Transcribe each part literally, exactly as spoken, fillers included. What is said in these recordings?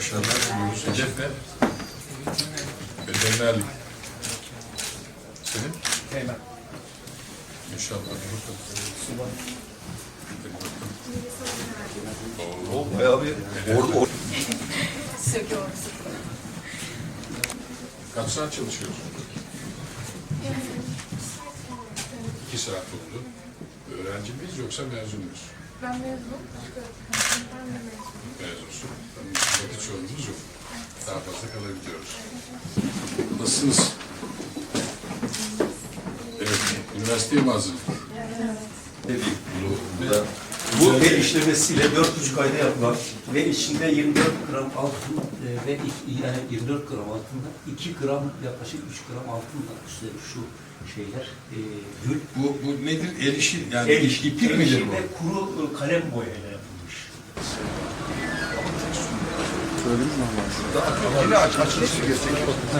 Başarılar diliyoruz. Hedef ne? Veterinerlik. Senin? Hemen. İnşallah. Subay. O bayağı bir orada or Söküyoruz. Kaç saat çalışıyorsun? İki saat oldu. Öğrenci miyiz yoksa mezun muyuz? Ben mezunum. Ben de mezunum. Mezunsun. Vakit sorunumuz yok. Daha fazla kalabiliyoruz. Nasılsınız? Evet, üniversiteye mi hazırlık? bu, da, bu el işlemesiyle dört buçuk ayda yapılan ve içinde yirmi dört gram altın e, ve iki, yani yirmi dört gram altında iki gram yaklaşık üç gram altında üstelik şu şeyler e, gül. Bu, bu nedir? El işi, yani El işi, iplik el midir işi bu? ve kuru e, kalem boyayla yapılmış. Yine aç, açılışı gerçek.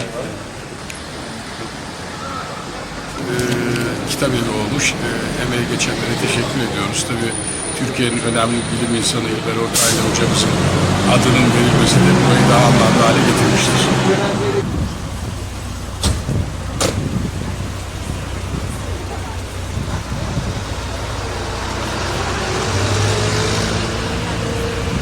Ee, kitap evi olmuş. Ee, emeği geçenlere teşekkür ediyoruz. Tabii Türkiye'nin önemli bilim insanı İlber Ortaylı hocamızın adının verilmesi de burayı daha anlamlı hale getirmiştir.